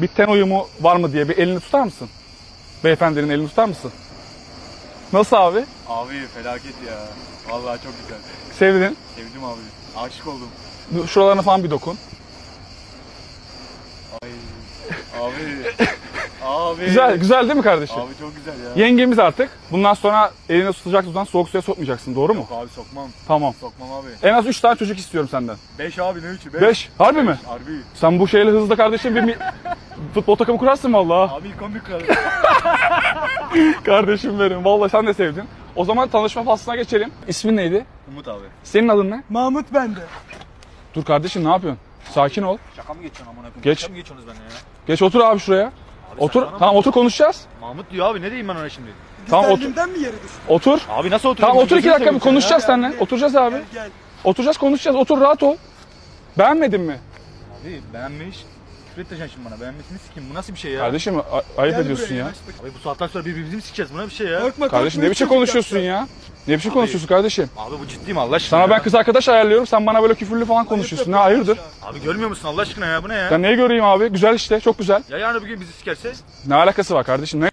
Bir ten uyumu var mı diye bir elini tutar mısın? Beyefendinin elini tutar mısın? Nasıl abi? Abi felaket ya. Vallahi çok güzel. Sevdin. Sevdim abi. Aşık oldum. Şuralarına falan bir dokun. Ay. Abi. Abi. Güzel değil mi kardeşim? Abi çok güzel ya. Yengemiz artık. Bundan sonra elini tutacak tutan soğuk suya sokmayacaksın. Doğru mu? Yok abi sokmam. Tamam. Sokmam abi. En az 3 tane çocuk istiyorum senden. 5 abi ne 3'ü? 5. Harbi mi? Harbi. Sen bu şeyle hızlı kardeşim bir futbol takımı kurarsın vallahi. Abi ilk 11 kralı. Kardeşim benim. Vallahi sen de sevdin. O zaman tanışma faslına geçelim. İsmin neydi? Umut abi. Senin adın ne? Mahmut bende. Dur kardeşim ne yapıyorsun? Sakin ol. Şaka mı geçiyorsun amına koyayım? Geç. Şaka mı geçiyorsunuz benimle ya? Geç otur abi şuraya. Otur. saçmalama. Tamam otur konuşacağız. Mahmut diyor abi ne diyeyim ben ona şimdi? Tamam otur. Güzelliğimden mi yeri düştü? Otur. Abi nasıl oturuyorsun? Tamam otur 2 Gözünü dakika bir seveyim konuşacağız Ya, ya, seninle. gel. Oturacağız abi. Gel. Oturacağız konuşacağız. Otur rahat ol. Beğenmedin mi? seni. Abi beğenmiş. Küfür edeceksin şimdi bana. Beğenmesini sikeyim. Bu nasıl bir şey ya? Kardeşim ayıp Gel ediyorsun buraya, ya. yanaş bakayım. Abi bu saatten sonra birbirimizi mi sikeceğiz? Bu ne bir şey ya? Korkma, Kardeşim korkma, ne biçim çocuk konuşuyorsun yapacağız. ya? Ne biçim konuşuyorsun kardeşim? Abi bu ciddi mi Allah aşkına Sana ya? ben kız arkadaş ayarlıyorum. Sen bana böyle küfürlü falan konuşuyorsun. Ne hayırdır? Abi görmüyor musun Allah aşkına ya? Bu ne ya? Ben neyi göreyim abi? Güzel işte. Çok güzel. Ya yarın bugün bizi sikerse? Ne alakası var kardeşim? Ne